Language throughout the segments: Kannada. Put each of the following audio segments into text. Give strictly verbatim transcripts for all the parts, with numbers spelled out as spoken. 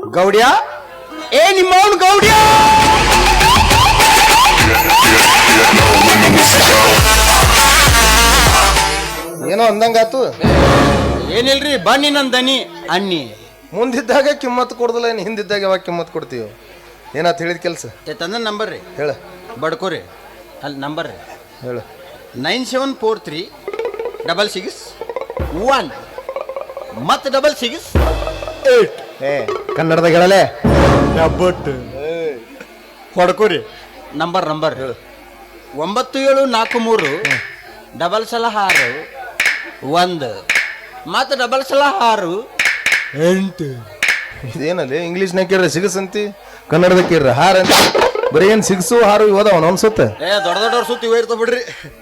ಗೌಡ್ಯ ಏ ನಿಮ್ಮವನು ಗೌಡ್ಯ ಏನೋ ಅಂದಂಗಾತು. ಏನಿಲ್ರಿ ಬನ್ನಿ ನನ್ ದನಿ ಅನ್ನಿ. ಮುಂದಿದ್ದಾಗ ಕಿಮ್ಮತ್ ಕೊಡ್ದಲ್ಲ, ಏನು ಹಿಂದಿದ್ದಾಗ ಯಾವಾಗ ಕಿಮ್ಮತ್ ಕೊಡ್ತೀವಿ? ಏನಾತ್ ಹೇಳಿದ ಕೆಲಸ ತಂದ ನಂಬರ್ ರೀ ಹೇಳ. ಬಡ್ಕೋರಿ ಅಲ್ಲಿ ನಂಬರ್ ರೀ ಹೇಳ. Nine seven four three double six one ಮತ್ತೆ ಡಬಲ್ ಸಿಕ್ಸ್ ಏಟ್. ಏ ಕನ್ನಡದಾಗ ಹೇಳಲೆ. ಬಟ್ ಹೊಡ್ಕೋರಿ ನಂಬರ್ ನಂಬರ್ ಒಂಬತ್ತು ಏಳು ನಾಲ್ಕು ಮೂರು ಡಬಲ್ ಸಲ ಆರು ಒಂದು ಮತ್ತೆ ಡಬಲ್ ಸಲ ಆರು ಎಂಟು. ಇದೇನಲ್ಲಿ ಇಂಗ್ಲೀಷ್ನಾಗ ಕೇಳ್ರಿ ಸಿಗಸ್ ಅಂತಿ, ಕನ್ನಡದಾಗ ಕೇಳ್ರಿ ಹಾರ ಅಂತ. ಬರೀ ಏನ್ ಸಿಗಸು ಹಾರು ಇವದಾವ ಅನ್ಸುತ್ತೆ. ಏ ದೊಡ್ಡ ದೊಡ್ಡವ್ರ ಸುತ್ತಿ ಇವ ಇರ್ತಾವ ಬಿಡ್ರಿ.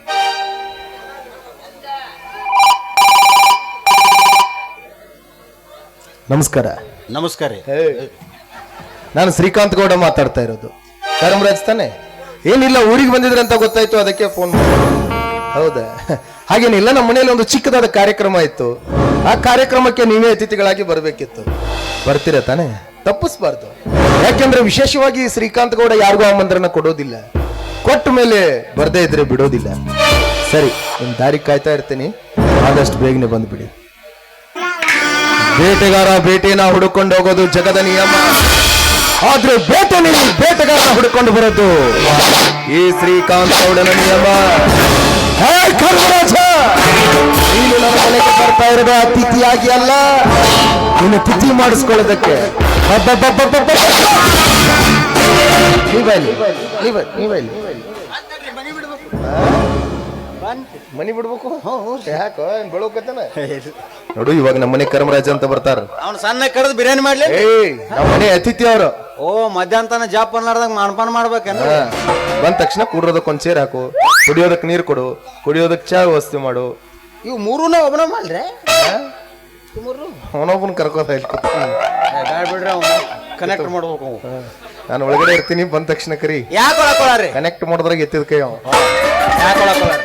ನಮಸ್ಕಾರ. ನಮಸ್ಕಾರ ರೀ. ನಾನು ಶ್ರೀಕಾಂತ್ ಗೌಡ ಮಾತಾಡ್ತಾ ಇರೋದು. ಕರಮರಾಜ್ ತಾನೆ? ಏನಿಲ್ಲ, ಊರಿಗೆ ಬಂದಿದ್ರೆ ಅಂತ ಗೊತ್ತಾಯ್ತು, ಅದಕ್ಕೆ ಫೋನ್ ಮಾಡಿ. ಹೌದಾ? ಹಾಗೇನಿಲ್ಲ, ನಮ್ಮ ಮನೆಯಲ್ಲಿ ಒಂದು ಚಿಕ್ಕದಾದ ಕಾರ್ಯಕ್ರಮ ಇತ್ತು. ಆ ಕಾರ್ಯಕ್ರಮಕ್ಕೆ ನೀವೇ ಅತಿಥಿಗಳಾಗಿ ಬರಬೇಕಿತ್ತು. ಬರ್ತೀರಾ ತಾನೆ? ತಪ್ಪಿಸ್ಬಾರ್ದು. ಯಾಕೆಂದ್ರೆ ವಿಶೇಷವಾಗಿ ಶ್ರೀಕಾಂತ್ ಗೌಡ ಯಾರಿಗೂ ಆಮಂತ್ರಣ ಕೊಡೋದಿಲ್ಲ, ಕೊಟ್ಟ ಮೇಲೆ ಬರ್ದೇ ಇದ್ರೆ ಬಿಡೋದಿಲ್ಲ. ಸರಿ, ನಿಮ್ ದಾರಿ ಕಾಯ್ತಾ ಇರ್ತೀನಿ, ಆದಷ್ಟು ಬೇಗನೆ ಬಂದ್ಬಿಡಿ. ಬೇಟೆಗಾರ ಬೇಟೆನ ಹುಡುಕೊಂಡು ಹೋಗೋದು ಜಗದ ನಿಯಮ, ಆದ್ರೆ ಬೇಟೆ ನೀವು ಬೇಟೆಗಾರನ ಹುಡುಕೊಂಡು ಬರೋದು ಈ ಶ್ರೀಕಾಂತ್ ಗೌಡನ ನಿಯಮ. ಹೇ ಕರ್ಮರಾಜ, ನೀನು ನನ್ನ ಮನೆಗೆ ಬರ್ತಾ ಇರೋದು ಅತಿಥಿಯಾಗಿ ಅಲ್ಲ, ನೀನು ತಿಥಿ ಮಾಡಿಸ್ಕೊಳ್ಳೋದಕ್ಕೆ. ಮನಿ ಬಿಡ್ಬೇಕು. ಯಾಕೋ ಬೆಳಕತ್ತನ ನೋಡು, ಇವಾಗ ನಮ್ಮ ಮನೆ ಕರ್ಮರಾಜ ಅಂತ ಬರ್ತಾರ. ಅವ್ನು ಸಣ್ಣ ಕರೆದು ಬಿರಿಯಾನಿ ಮಾಡ್ಲಿ. ಏಯ್, ನಮ್ಮ ಮನೆ ಅತಿಥಿ ಅವರು. ಓ ಮಧ್ಯಾಹ್ನ ಜಾಪ್ ಅನ್ಲಾರ್ದಾಗ ಮಾನ್ಪಾನ ಮಾಡ್ಬೇಕೇನ? ಬಂದ ತಕ್ಷಣ ಕುಡ್ರೋದಕ್ಕೆ ಒಂದ್ ಸೇರ್ ಹಾಕು, ಕುಡಿಯೋದಕ್ಕೆ ನೀರು ಕೊಡು, ಕುಡಿಯೋದಕ್ಕೆ ಚಾ ವ್ಯವಸ್ಥೆ ಮಾಡು. ಇವು ಮೂರನ್ನ ಒಬ್ಬನ ಮಾಡ್ರೆ ಅವನೊಬ್ಬನ ಕರ್ಕೋದ ಬಿಡ್ರಿ, ಅವ್ನು ಕನೆಕ್ಟ್ ಮಾಡ್ಬೇಕು. ನಾನು ಒಳಗಡೆ ಇರ್ತೀನಿ, ಬಂದ ತಕ್ಷಣ ಕರಿ. ಯಾಕೆ ಒಳಕೊಳಾರಿ? ಕನೆಕ್ಟ್ ಮಾಡೋದ್ರಾಗ ಎತ್ತಿದ ಕೈ ಅವ. ಯಾಕೆ ಒಳಕೊಳಾರಿ?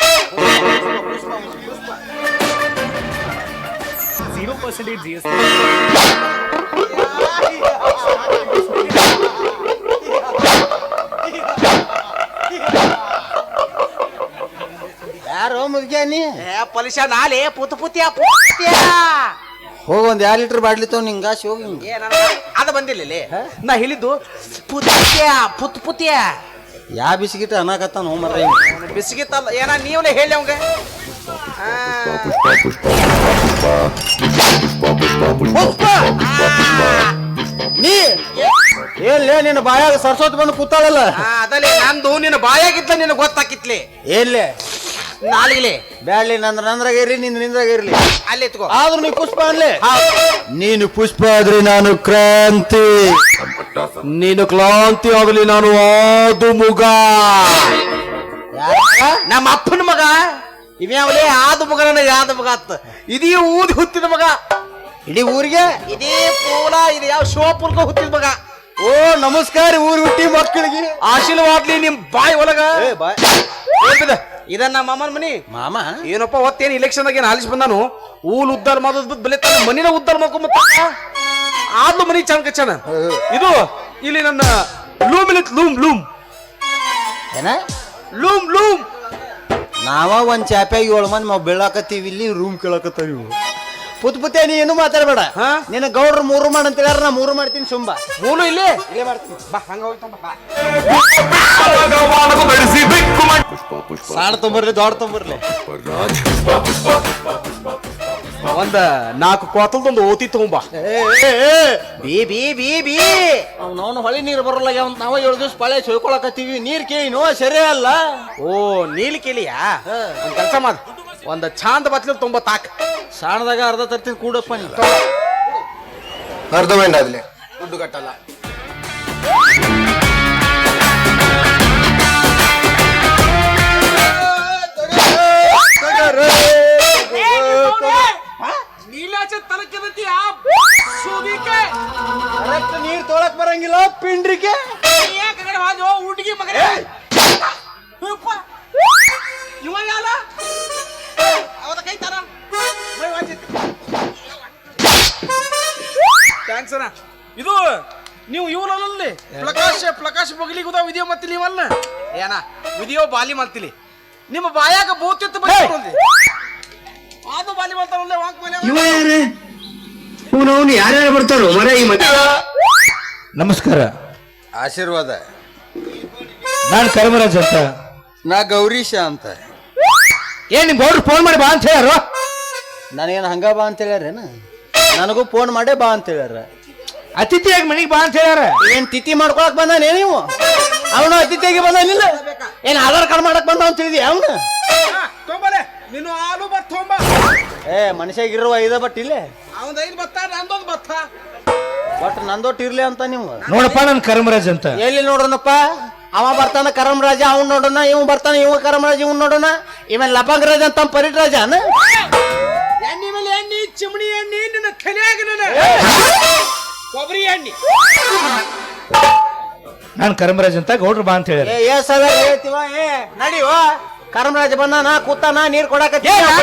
zero percent G S T. ಯಾರೋ ಮುಗ್ಯಾನಿ ಪಲಿಶ ನಾಲೆ ಪುತ್ ಪುತ್ಯ ಪುತ್ಯ ಹೋಗ ಒಂದ್ ಎರಡು ಲೀಟರ್ ಬಾಡ್ಲಿ ತವ್ ನಿಂಗಾಸಿ ಹೋಗಿ. ಅದ ಬಂದಿಲ್ಲ ನಾ ಹೇಳಿದ್ದು ಪುತ್ಯ ಪುತ್ ಪುತ್ಯ. ಯಾ ಬಿಸ್ಕಿಟ್ ಅನ್ನಕತ್ತಾನ ಹೋ ಮರ್ರಿ. ಬಿಸ್ಕಿಟ್ ಅಲ್ಲ ಏನ ನೀವೇ ಹೇಳಿ ಅವಂಗ. ನೀ ಏನ್ಲೇ ನಿನ್ನ ಬಾಯಾಗ ಸರ್ಸೋತ್ ಬಂದು ಕೂತಾಳಲ್ಲ. ಅದಲ್ಲೇ ನಂದು ನಿನ್ನ ಬಾಯಾಗಿದ್ಲ ನಿನ್ನ ಗೊತ್ತಾಕಿತ್ಲಿ. ಏನ್ಲೇ ನಾಲಿಗೆ ಬ್ಯಾಡ್ಲಿ, ನಂದ್ರ ನಂದ್ರಾಗ ಇರ್ಲಿ, ನಿಂದ ನಿಂದ್ರಾಗ ಇರ್ಲಿ. ಅಲ್ಲಿ ಎತ್ಕೋ. ಆದ್ರೂ ನೀ ಪುಷ್ಪ ಅನ್ಲಿ. ನೀನು ಪುಷ್ಪ ಆದ್ರೆ ನಾನು ಕ್ರಾಂತಿ, ನೀನು ಕ್ಲಾಂತಿ ಆಗಲಿ ನಾನು ಆದು ಮುಗ. ನಮ್ಮ ಅಪ್ಪನ ಮಗ ಇವ್ಯಾವಲೇ ಆದ ಮಗ, ನನಗೆ ಆದ ಮಗ ಅತ್ತ. ಇದೀ ಊದಿ ಹುತ್ತಿದ ಮಗ, ಇಡೀ ಊರಿಗೆ ಇದೇ ಪೂಲ ಇದು ಯಾವ ಶಿವಪುರ್ಗ ಹುತ್ತಿದ ಮಗ. ಓ ನಮಸ್ಕಾರ ಊರ್ ಹುಟ್ಟಿ ಮಕ್ಕಳಿಗೆ ಆಶೀರ್ವಾದ್ಲಿ ನಿಮ್ ಬಾಯಿ ಒಳಗ. ಬಾಯ್ ಇದನ್ನ ನಮ್ಮ ಅಮ್ಮನ ಮನಿ. ಮಾಮ ಏನಪ್ಪ ಒತ್ತೇನು ಇಲೆಕ್ಷನ್ ದಾಗ ಏನು ಆಲಿಸ್ ಬಂದಾನು, ಊಲ್ ಉದ್ದಾರ ಮಾಡೋದ್ ಬಲೆ ತನ್ನ ಮನಿನ ಉದ್ದಾರ ಮಾಡ್ಕೊಂಬತ್ತ. ಆದ್ಲು ಮನಿ ಚಂದ ಕಚ್ಚನ. ಇದು ಇಲ್ಲಿ ನನ್ನ ಲೂಮ್ ಇಲ್ಲಿ ಲೂಮ್ ಲೂಮ್ ಏನ ಲೂಮ್ ಲೂಮ್. ನಾವ ಒಂದ್ ಚಾಪ್ಯಾಗ ಏಳು ಮಂದಿ ನಾವು ಬೀಳಾಕತ್ತೀವಿ, ಇಲ್ಲಿ ರೂಮ್ ಕೇಳಕತ್ತಾವ ಇವು. ಪುತ್ ಪುತ್ತೆ ನೀ ಏನು ಮಾತಾಡ್ಬೇಡ. ನಿನ್ನ ಗೌಡ್ರು ಮೂರು ಮಾಡ ಅಂತ ಹೇಳ್ಯಾರ, ನಾ ಮೂರು ಮಾಡ್ತೀನಿ. ಸುಂಬ ಮೂಲು ಇಲ್ಲೇ ಇಲ್ಲೇ ಮಾಡ್ತೀನಿ ಬಾ. ಹಂಗ ಹೋಗ್ತಾನ ಬಾ. ಸಾಣ ತೊಂಬರ್ಲಿ, ದೊಡ್ಡ ತೊಂಬರ್ಲಿ. ಒಂದ ನಾಲ್ಕು ಕೋತಲ್ದೊಂದು ಓತಿ ತಗೊಂಬ. ಬಿ ಬಿ ಬಿ ಬಿ ಅವ್ನವ್ನು ಹೊಳಿ ನೀರು ಬರಲ್ಲ ಅಂತ ನಾವ ಏಳು ದಿವಸ ಪಳೆ ಸೊಯ್ಕೊಳಕತ್ತೀವಿ. ನೀರ್ ಕೇಳಿನೋ ಸರಿ ಅಲ್ಲ. ಓ ನೀಲಿ ಕೇಳಿಯಾ? ಒಂದ್ ಕೆಲಸ ಮಾಡ, ಒಂದ್ ಚಾಂದ್ ಬತ್ಲಿ ತೊಂಬತ್ತಾಕ. ಸಾಣದಾಗ ಅರ್ಧ ತರ್ತೀನಿ ಕೂಡಪ್ಪ. ನೀ ಅರ್ಧ ಮೆಂಡ ಆದ್ಲೆ ದುಡ್ಡು ಕಟ್ಟಲ್ಲ. ನೀರ್ ತೊಳಕ್ ಬರಂಗಿಲ್ಲ ಪಿಂಡ್ರಿಕೆ. ಹುಡುಗಿ ಮಗ ಇವಾಗ ಅವದ ಕೈ ತರ ಥ್ಯಾಂಕ್ಸ್ ಅಣ್ಣ. ಇದು ನೀವು ಇವನಲ್ಲಿ ಪ್ರಕಾಶ್ ಪ್ರಕಾಶ್ ಬಗಲಿಗುದ ವಿಡಿಯೋ ಮತ್ತಿಲಿ ಇವನ್ನ ಏನ ವಿಡಿಯೋ ಬಾಲಿ ಮಾಡ್ತಿಲಿ ನಿಮ್ಮ ಬಾಯಾಗ ಬೋತಿತ್ತು ಬಂದಿ ಅದು ಬಾಲಿ ಮಾಡ್ತಾರಲ್ಲ ವಾಕ್ ಮೇಲೆ ಇವ ಯಾರೇ ಇವನವನು ಯಾರ್ಯಾರು ಬರ್ತಾರೋ ಮರ ಈ ಮಧ್ಯ. ನಮಸ್ಕಾರ, ಆಶೀರ್ವಾದ. ನಾನು ಕರ್ಮರಾಜ್ ಅಂತ. ನಾ ಗೌರೀಶ ಅಂತ. ಏನ್ ನಿಮ್ ಗೌಡ್ರು ಫೋನ್ ಮಾಡಿ ಬಾ ಅಂತ ಹೇಳ್ಯಾರ? ನನಗೇನು ಹಂಗ ಬಾ ಅಂತ ಹೇಳ್ಯಾರೇನ? ನನಗೂ ಫೋನ್ ಮಾಡೇ ಬಾ ಅಂತ ಹೇಳ್ಯಾರ. ಅತಿಥಿಯಾಗಿ ಮನೆಗೆ ಬಾ ಅಂತ ಹೇಳ್ಯಾರ. ಏನ್ ತಿಥಿ ಮಾಡ್ಕೊಳಕ್ ಬಂದಾನೆ ನೀವು? ಅವನು ಅತಿಥಿಯಾಗಿ ಬಂದಾನಿಲ್ಲ? ಏನ್ ಆಧಾರ್ ಕಾರ್ಡ್ ಮಾಡಕ್ ಬಂದ ಅಂತ ಹೇಳಿದ್ಯಾ ಅವನು? ತೊಂಬಲೆ ನೀನು ಆಲು ಬತ್ ತೊಂಬ. ಏ ಮನುಷ್ಯಾಗಿರುವ ಐದ ಬಟ್ ಇಲ್ಲೇ ಅವಂದ ಐದು ಬತ್ತ ನಂದೊಂದು ಬತ್ತ. ಬಟ್ ನಂದೊಟ್ಟು ಇರ್ಲಿ ಅಂತ ನೀವು. ನೋಡಪ್ಪ, ನಾನು ಕರ್ಮರಾಜ್ ಅಂತ. ಎಲ್ಲಿ ನೋಡೋಣಪ್ಪ? ಅವ ಬರ್ತಾನ ಕರಮ್ ರಾಜ, ಅವ್ನ್ ನೋಡೋಣ. ಇವ್ ಬರ್ತಾನ, ಇವ ಕರಮ್ ರಾಜ, ಇವ್ ನೋಡೋಣ. ಇವನ್ ಲಪಂಗ್ ರಾಜ ಅಂತ ಪರಿಟ್ ರಾಜನ. ಎಣ್ಣೆ ಮೇಲೆ ಎಣ್ಣೆ, ಚಿಮಣಿ ಎಣ್ಣೆ, ನಿನ್ನ ತಲೆಯಾಗ ನನ್ನ ಕೊಬ್ಬರಿ ಎಣ್ಣೆ. ನಾನು ಕರ್ಮರಾಜ್ ಅಂತ, ಗೌಡ್ರು ಬಾ ಅಂತ ಹೇಳ್ಯಾರ. ಏ ಏ ಸಲ ಹೇಳ್ತೀವ? ಏ ನಡಿವ, ಕರಮ್ ರಾಜ ಬಂದಾನ, ಕೂತಾನ, ನೀರ್ ಕೊಡಾಕ.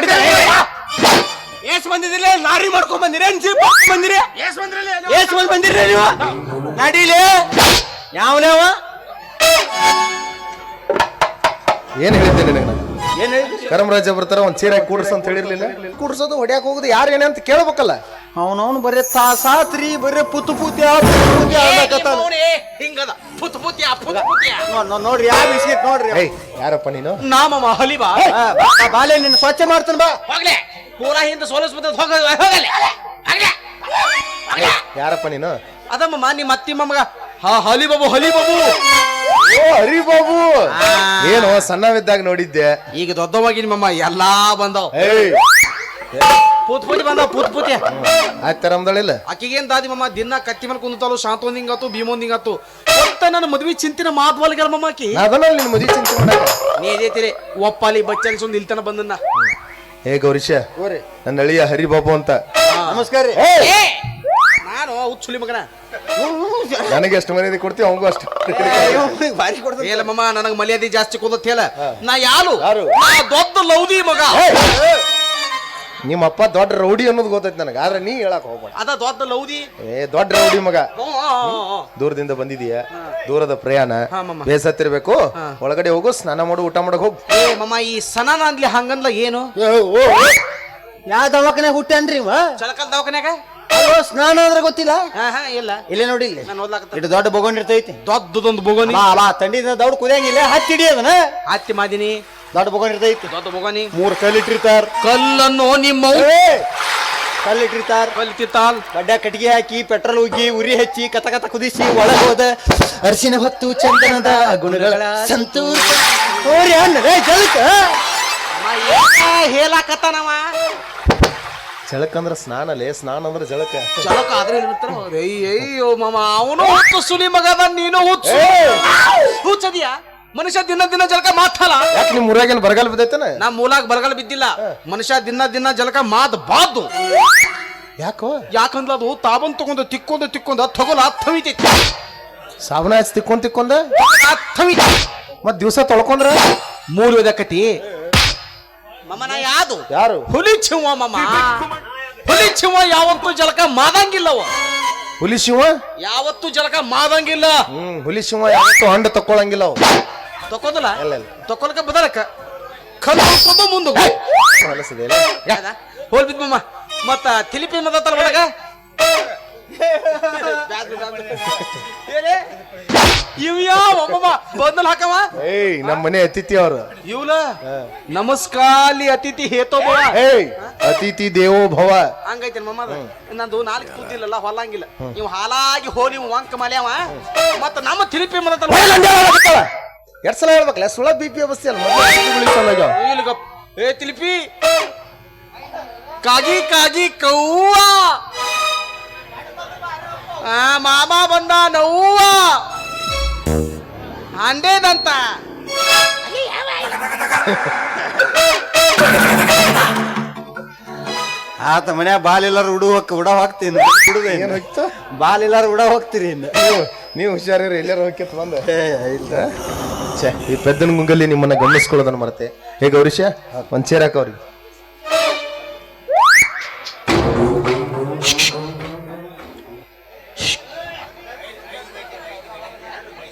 ಏಸ್ ಬಂದಿದಿಲ್ಲ? ಲಾರಿ ಮಾಡ್ಕೊಂಡ್ ಬಂದಿರಿ, ಜೀಪ್ ಮಾಡ್ಕೊಂಡ್ ಬಂದಿರಿ? ಏಸ್ ಬಂದ್ರಲ್ಲ ಏಸ್ ಬಂದ್ ಬಂದಿರಿ ನೀವು? ನಡೀಲಿ. ಯಾವನೇವ? ಏನ್ ಹೇಳಿದ್ದೆ ನಿನಗೆ ನಾನು? ಏನ್ ಹೇಳಿದ್ರಿ? ಕರಮರಾಜ ಬರ್ತಾರ ಒಂದ್ ಚೀರಾಗಿ ಕೂಡ್ಸ ಅಂತ ಹೇಳಿರ್ಲಿಲ್ಲ? ಕೂಡ್ಸೋದು ಹೊಡ್ಯಾಕ ಹೋಗುದು ಯಾರು ಏನೇ ಅಂತ ಕೇಳ್ಬೇಕಲ್ಲ. ಅವನವನು ಬರೀ ತಾಸಾತ್ರಿ, ಬರೀ ಪುತ್ತು ಪೂತಿ ಪುತ್ತು ಹಿಂಗದ ಪುತ್ ಪುತ್ಯ ಪುತ್ ಪುತ್ಯ. ನೋಡ್ರಿ ಯಾವ ಬಿಸ್ಕಿಟ್ ನೋಡ್ರಿ. ಏಯ್ ಯಾರಪ್ಪ ನೀನು? ನಾಮಮ್ಮ ಹಲಿಬಾ ಆ, ಬಾ, ಬಾ, ಬಾಲೆ ನಿನ್ನ ಸ್ವಚ್ಛ ಮಾಡ್ತಾನ ಬಾ. ಹೋಗ್ಲೆ ಪೂರಾ ಹಿಂದೆ ಸೋಲಸ್ ಬರ್ತದ. ಹೋಗ ಹೋಗಲೆ ಹೋಗ್ಲೆ ಹೋಗ್ಲೆ. ಯಾರಪ್ಪ ನೀನು? ಅದಮ್ಮ ನಿಮ್ಮ ಅತ್ತಿ ಮಮ್ಮಗ ಹಾ ಹಲಿ ಬಾಬು ಹಲಿ ಬಾಬು. ಓ ಹರಿ ಬಾಬು, ಏನು ಸಣ್ಣವಿದ್ದಾಗ ನೋಡಿದ್ದೆ, ಈಗ ದೊಡ್ಡವಾಗಿ ನಿಮ್ಮಮ್ಮ ಎಲ್ಲಾ ಬಂದವ್. ಏಯ್ ಪೂತ್ ಪೂತಿ ಬಂದವ್ ಪೂತ್ ಪೂತಿ. ಆಯ್ತು ತರಮ್ದಳಿಲ್ಲ. ಆಕಿಗೇನ್ ದಾದಿ ಮಮ್ಮ ದಿನ ಕತ್ತಿ ಮೇಲೆ ಕುಂತಾಳು. ಶಾಂತೊಂದ್ ಹಿಂಗಾತು, ಭೀಮೊಂದ್ ಹಿಂಗಾತು. ಒತ್ತ ನನ್ನ ಮದ್ವಿ ಚಿಂತಿನ ಮಾದ್ವಾಲ್ಗಳ ಮಮ್ಮ ಆಕಿ. ಅದನ್ನ ನಿನ್ ಮದುವೆ ಚಿಂತೆ ಮಾಡಕ ನೀ ಇದೇತಿರಿ ಒಪ್ಪಾಲಿ ಬಚ್ಚನ್ ಸುಂದ್ ಇಲ್ತನ ಬಂದನ್ನ. ಏ ಗೌರೀಶ, ನನ್ನ ಅಳಿಯ ಹರಿಬಾಬು ಅಂತ. ನಮಸ್ಕಾರ ರೀ. ಏ, ನಾನು ಹುಚ್ಚುಲಿ ಮಗನ. ನನಗೆ ಎಷ್ಟು ಮರ್ಯಾದೆ ಕೊಡ್ತೀವಿ ಅವಂಗೂ ಅಷ್ಟು. ಬಾರಿ ಕೊಡ್ತಾನೆ. ಹೇಳ ಮಮ್ಮ, ನನಗ ಮರ್ಯಾದೆ ಜಾಸ್ತಿ ಕೊಡತ್ ಹೇಳ. ನಾ ಯಾರು? ಯಾರು? ನಾ ದೊಡ್ಡ ಲೌದಿ ಮಗ. ನಿಮ್ಮ ಅಪ್ಪ ದೊಡ್ಡ ರೌಡಿ ಅನ್ನೋದು ಗೊತ್ತೈತಿ ನನಗೆ, ಆದ್ರೆ ನೀ ಹೇಳಕ್ ಹೋಗ್ಬೇಡ. ಅದ ದೊಡ್ಡ ಲೌದಿ. ಏ ದೊಡ್ಡ ರೌಡಿ ಮಗ, ಹ್ಮ್, ಹ್ಮ್, ಹ್ಮ್. ದೂರದಿಂದ ಬಂದಿದೀಯ, ದೂರದ ಪ್ರಯಾಣ, ಹಾ, ಮಮ್ಮ. ಬೇಸತ್ತಿರ್ಬೇಕು. ಒಳಗಡೆ ಹೋಗು, ಸ್ನಾನ ಮಾಡು, ಊಟ ಮಾಡಕ್ ಹೋಗು. ಏ ಮಮ್ಮ, ಈ ಸನಾನ ಅಂದ್ಲಿ ಹಂಗಂದ್ಲ ಏನು? ಯಾವ ದವಾಖಾನೆ ಹುಟ್ಟೇನ್ರಿ ಇವ? ಚಳಕಲ್ ದವಾಖಾನ್ಯಾಗ? ಅಯ್ಯೋ, ಸ್ನಾನ ಅಂದ್ರೆ ಗೊತ್ತಿಲ್ಲ? ಹಾ ಹಾ ಇಲ್ಲ. ಇಲ್ಲೇ ನೋಡಿ, ಇಲ್ಲಿ ನಾನು ಓದ್ಲಾಕತ್ತ. ಇಟ್ಟು ದೊಡ್ಡ ಬೊಗೊಂಡಿರ್ತೈತಿ. ದೊಡ್ಡದೊಂದು ಬೊಗೋನಿ. ಬಾ ಬಾ, ತಂಡಿದ ದೌಡ್ ಕುದಿಯಂಗಿಲ್ಲ, ಹತ್ತಿ ಹಿಡಿಯೋದನ. ಅತ್ತಿ ಮಾದಿನಿ. ದೊಡ್ಡ ಬೊಗೊಂಡಿರ್ತೈತಿ. ದೊಡ್ಡ ಬೊಗೋನಿ. ಮೂರ್ ಕಲ್ಲಿಟ್ಟಿರ್ತಾರ. ಕಲ್ಲನ್ನು ನಿಮ್ಮ ಕಲ್ಲಿಟ್ಟಿರ್ತಾರ. ಕಲ್ತಿತ್ತಾಲ್. ಗಡ್ಡ ಕಟ್ಟಿಗೆ ಹಾಕಿ, ಪೆಟ್ರೋಲ್ ಉಗ್ಗಿ, ಉರಿ ಹಚ್ಚಿ, ಕತ ಕತ ಕುದಿಸಿ, ಒಳಗೆ ಹೋದ ಅರಿಶಿನ ಹೊತ್ತು ಚಂದನದ ಗುಣಗಳ ಸಂತೂರ್ ಓರಿ ಅಣ್ಣ ಜಲಕ ಹೇಳಾಕತ್ತಾನವ. ಜಳಕ ಅಂದ್ರ ಸ್ನಾನ ಲೇ, ಸ್ನಾನ ಅಂದ್ರ ಜಳಕ. ಚಳಕ ಆದ್ರೆ ಇರ್ತಾರ. ಅಯ್ಯೋ ಮಾಮ, ಅವನು ಹುಚ್ಚು ಸುಲಿ ಮಗ ಅದ, ನೀನು ಹುಚ್ಚು ಹುಚ್ಚದಿಯಾ? ಮನುಷ್ಯ ದಿನ ದಿನ ಜಲಕ ಮಾತಲ್ಲ. ಯಾಕೆ ನಿಮ್ ಊರಾಗೇನ್ ಬರಗಾಲ ಬಿದ್ದೈತನ? ನಾ ಮೂಲಾಗ ಬರಗಾಲ ಬಿದ್ದಿಲ್ಲ. ಮನುಷ್ಯ ದಿನ ದಿನ ಜಲಕ ಮಾತ್ ಬಾದು. ಯಾಕೋ? ಯಾಕಂದ್ರ ಅದು ತಾಬನ್ ತಗೊಂಡು ತಿಕ್ಕೊಂಡು ತಿಕ್ಕೊಂಡು ತಗೊಲ ಥವಿತೈತಿ. ಸಾಬಣ ಹಚ್ಚಿ ತಿಕ್ಕೊಂಡ್ ತಿಕ್ಕೊಂಡ ಥವಿತಿ. ಮತ್ ದಿವ್ಸ ತೊಳ್ಕೊಂಡ್ರ ಮೂಲ ಓದಕತಿ ಮಮ್ಮನ. ಯಾವುದು? ಯಾರು? ಹುಲಿ ಚಿವ ಮಮ್ಮ. ಹುಲಿ ಚಿವ ಯಾವತ್ತೂ ಜಲಕ ಮಾದಂಗಿಲ್ಲವ. ಹುಲಿ ಶಿವ ಯಾವತ್ತೂ ಜಲಕ ಮಾದಂಗಿಲ್ಲ. ಹ್ಮ್ ಹುಲಿ ಶಿವ ಯಾವತ್ತೂ ಹಂಡ ತಕ್ಕೊಳಂಗಿಲ್ಲ ಅವು. ತಕ್ಕೋದಲ್ಲ, ಇಲ್ಲ ಇಲ್ಲ ತಕ್ಕೊಳಕ ಬದಲಕ ಕಲ್ಲು ಮುಂದೆ ಹೊಲಸದೆ ಹೋಲ್ ಬಿದ್ ಮಮ್ಮ. ಮತ್ತ ತಿಲಿಪಿ ಮದತ್ತಲ್ಲ ಒಳಗ ಇವ್ ಯಾವ ಬಂದಲ್ ಹಾಕವ. ಏಯ್ ನಮ್ಮ ಮನೆ ಅತಿಥಿ ಅವ್ರು. ಇವ್ಲ ನಮಸ್ಕಾಲಿ ಅತಿಥಿ ಹೇತೋಬ. ಏಯ್ ಅತಿಥಿ ದೇವೋ ಭವ. ಹಂಗೈತೆ ಮಮ್ಮ. ನಂದು ನಾಲ್ಕು ಕೂದಿಲ್ಲಲ್ಲ, ಹೊಲಂಗಿಲ್ಲ. ನೀವು ಹಾಲಾಗಿ ಹೋಲಿ ವಂಕ ಮಲ್ಯಾವ. ಮತ್ತ ನಮ್ಮ ತಿಲಿಪಿ ಮದತ್ತಲ್ಲ ಎರಡ್ ಸಲ ಹೇಳ್ಬೇಕಲ್ಲ, ಸುಳ ಬಿ ಪಿ ಅವಸ್ಥೆ ಅಲ್ಲ. ಇಲ್ಲಿಗ ಏ ತಿಲಿಪಿ ಕಾಗಿ ಕಾಗಿ ಕವ್ವ. ಆ ಮಾಮ ಬಂದ ನವ್ವ ಅಂಡೇದಂತ. ಆತ ಮನ್ಯಾಗ ಬಾಲ್ ಎಲ್ಲಾರು ಉಡು ಹೋಗ್ ಉಡ ಹೋಗ್ತೀನಿ. ಏನ್ ಹೋಯ್ತು? ಬಾಲ್ ಎಲ್ಲಾರು ಉಡ ಹೋಗ್ತೀರಿ ಇನ್ನು. ನೀವು ನೀವು ಹುಷಾರಿರಿ, ಎಲ್ಲಾರು ಹೋಗ್ಯತ್ ಬಂದ. ಛೇ, ಈ ಪೆದ್ದನ ಗುಂಗಲ್ಲಿ ನಿಮ್ಮನ್ನ ಗಮನಿಸ್ಕೊಳ್ಳೋದನ್ನ ಮರತೆ. ಹೇಗೆ ಗೌರೀಶ, ಒಂದ್ ಚೇರ್ ಹಾಕ ಅವ್ರಿಗೆ.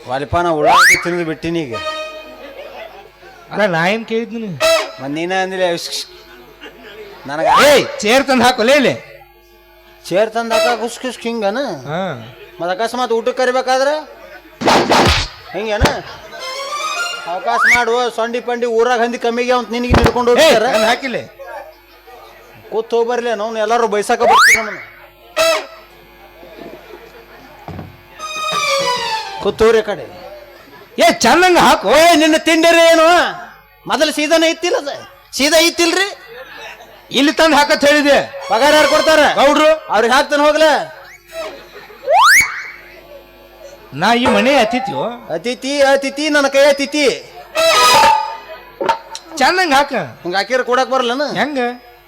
ವಾಲಿಪ ನಾ ಉಳ್ಳಾಗಡ್ಡಿ ತಿಂದು ಬಿಟ್ಟಿನಿ ಈಗ ಅಲ್ಲ ನಾ ಏನ್ ಕೇಳಿದ್ದೀನಿ ಮತ್ ನೀನ ಅಂದಿಲ್ಲ ನನಗ ಏಯ್ ಚೇರ್ ತಂದು ಹಾಕೋಲೇ ಇಲ್ಲಿ ಚೇರ್ ತಂದಾಕ ಕುಸ್ ಕುಸ್ ಹಿಂಗನ ಹಾ ಮತ್ ಅಕಸ್ಮಾತ್ ಊಟಕ್ಕೆ ಕರಿಬೇಕಾದ್ರ ಹಿಂಗೇನ ಅವಕಾಶ ಮಾಡುವ ಸೊಂಡಿ ಪಂಡಿ ಊರಾಗ ಹಂದಿ ಕಮ್ಮಿಗೆ ಅಂತ ನಿನಗೆ ನಿಡ್ಕೊಂಡು ಏಯ್ ಹೋಗ್ತಾರ ತಂದು ಹಾಕಿಲ್ಲ ಕೂತ್ ಹೋಗ್ಬರ್ಲಿ ನಾವು ಎಲ್ಲಾರು ಬೈಸಾಕ ಬರ್ತೀವಿ ನಮ್ಮನ್ನ ಕೂತೋರಿ ಕಡೆ ಏ ಚೆನ್ನಾಗ ಹಾಕು ಓ ನಿನ್ನ ತಿಂಡಿರಿ ಏನು ಮೊದಲು ಸೀದಾನ ಇತ್ತಿಲ್ಲ ಅದ ಸೀದಾ ಇತ್ತಿಲ್ರಿ ಇಲ್ಲಿ ತಂದು ಹಾಕತ್ ಹೇಳಿದೆ ಪಗಾರ ಯಾರು ಕೊಡ್ತಾರ ಗೌಡ್ರು ಅವ್ರಿಗೆ ಹಾಕ್ತಾನೆ ಹೋಗ್ಲ ನಾ ಈ ಮನೆ ಅತಿಥ್ಯೋ ಅತಿಥಿ ಅತಿಥಿ ನನ್ನ ಕೈ ಅತಿಥಿ ಚೆನ್ನಾಗ ಹಾಕ ಹಿಂಗ ಹಾಕಿರ ಕೊಡಕ್ ಬರಲ್ಲನ ಹೆಂಗ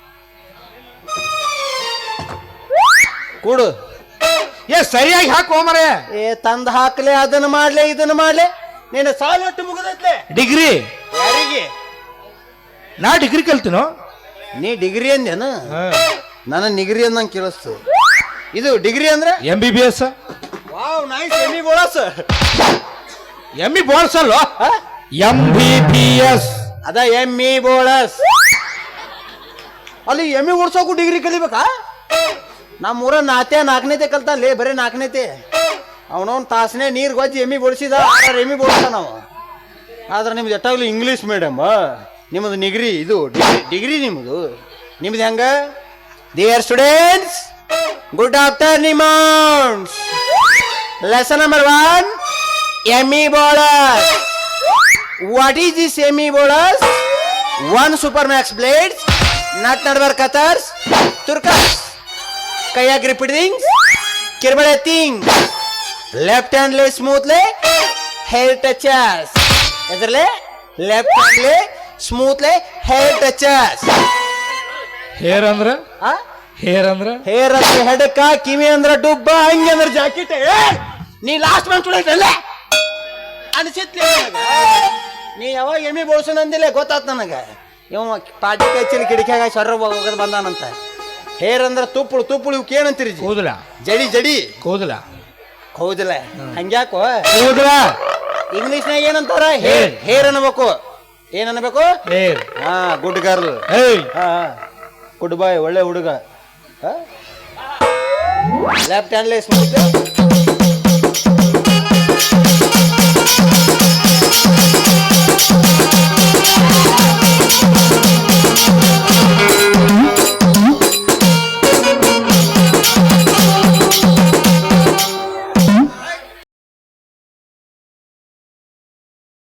ಕೂಡು ಏ ಸರಿಯಾಗಿ ಹಾಕು ಮರ ಏ ತಂದ್ ಹಾಕ್ಲೆ ಅದನ್ನ ಮಾಡ್ಲೆ ಇದನ್ನ ಮಾಡ್ಲೆ ನೀನು ಸಾಲ ಒಟ್ಟು ಮುಗಿದೈತ್ಲೆ ಡಿಗ್ರಿ ಯಾರಿಗೆ ನಾ ಡಿಗ್ರಿ ಕಲ್ತೀನೋ ನೀ ಡಿಗ್ರಿ ಅಂದೇನ ನನ್ನ ನಿಗ್ರಿ ಅಂದಂಗೆ ಕೇಳಿಸ್ತು ಇದು ಡಿಗ್ರಿ ಅಂದ್ರೆ M B B S wow nice ಎಮ್ಮಿ ಬೋಳಸ್ ಎಂ ಬಿ ಬೋಳ್ಸ್ ಅಲ್ವಾ ಎಂ ಬಿ ಬಿ ಎಸ್ ಅದ ಎಮ್ಮಿ ಬೋಳಸ್ ಅಲ್ಲಿ ಎಮ್ಮಿ ಓಡ್ಸೋಕು ಡಿಗ್ರಿ ಕಲಿಬೇಕಾ ನಮ್ಮ ಊರ ನಾತೆ ನಾಲ್ಕನೇತೆ ಕಲ್ತಾನೆ ಬರೀ ನಾಲ್ಕನೇತೆ ಅವನವನ್ ತಾಸನೆ ನೀರು ಗೊಜ್ಜಿ ಎಮ್ಮಿ ಬೋಳಿಸಿದ ಆರು ಎಮ್ಮಿ ಬೋಳ್ಸ ನಾವು ಆದ್ರೆ ನಿಮ್ದು ಎಟ್ಟಾಗ್ಲಿ ಇಂಗ್ಲೀಷ್ ಮೀಡಿಯಮ್ ನಿಮ್ಮದು ನಿಗ್ರಿ ಇದು ಡಿಗ್ರಿ ಡಿಗ್ರಿ ನಿಮ್ಮದು ನಿಮ್ದು ಹೆಂಗ dear students good afternoon lesson number one ಎಮ್ಮಿ ಬೋಳಸ್ ವಾಟ್ ಈಸ್ ದಿಸ್ ಎಮ್ಮಿ ಬೋಳಸ್ ಒನ್ ಸೂಪರ್ ಮ್ಯಾಕ್ಸ್ ಬ್ಲೇಡ್ಸ್ ನಟ್ ನಡ್ವರ್ ಕತರ್ಸ್ ತುರ್ಕಸ್ ಕೈಯಾಗ ರಿಪೀಟ್ ಥಿಂಗ್ಸ್ ಕಿರ್ಬಳೆ ಥಿಂಗ್ ಲೆಫ್ಟ್ ಹ್ಯಾಂಡ್ಲೆ ಸ್ಮೂತ್ಲೆ ಹೇರ್ ಟಚಸ್ ಎದ್ರಲೆ ಲೆಫ್ಟ್ ಹ್ಯಾಂಡ್ಲೆ ಸ್ಮೂತ್ಲೆ ಹೇರ್ ಟಚಸ್ ಹೇರ್ ಅಂದ್ರ ಹೇರ್ ಅಂದ್ರ ಹೇರ್ ಅಂದ್ರೆ ಹೆಡಕ ಕಿವಿ ಅಂದ್ರ ಡುಬ್ಬ ಹಂಗೆ ಅಂದ್ರೆ ಜಾಕೆಟ್ ನೀ ಲಾಸ್ಟ್ ಮಂತ್ ಅಲ್ಲೇ ಅನಿಸಿತ್ಲಿ ನನಗ ನೀ ಯಾವಾಗ ಎಮ್ಮಿ ಬೋಳ್ಸೋಣ ಅಂದಿಲ್ಲ ಗೊತ್ತಾತ್ ನನಗ ಇವ ಪಾಟಿ ಕೈಚಲಿ ಕಿಡಿಕ್ಯಾಗ ಸೊರ್ರ ಹೋಗೋದು ಬಂದಾನಂತ ಹೇರ್ ಅಂದ್ರ ತುಪ್ಪಳು ತುಪ್ಪಳು ಇವಕ್ಕೆ ಏನಂತೀರಿ ಜಿ? ಕೂದಲ ಜಡಿ ಜಡಿ ಕೂದಲ ಹೌದಿಲ್ಲ ಹಂಗ್ಯಾಕೋ ಕೂದಲ ಇಂಗ್ಲಿಷ್ನಾಗ ಏನಂತಾರ ಹೇರ್ ಹೇರ್ ಅನ್ಬೇಕು ಏನ್ ಅನ್ಬೇಕು ಹೇರ್ ಹಾ ಗುಡ್ ಗರ್ಲ್ ಏಯ್ ಹಾ ಗುಡ್ ಬಾಯ್ ಒಳ್ಳೆ ಹುಡುಗ ಲೆಫ್ಟ್ ಹ್ಯಾಂಡ್ಲೆ ಸ್ಮೂತ್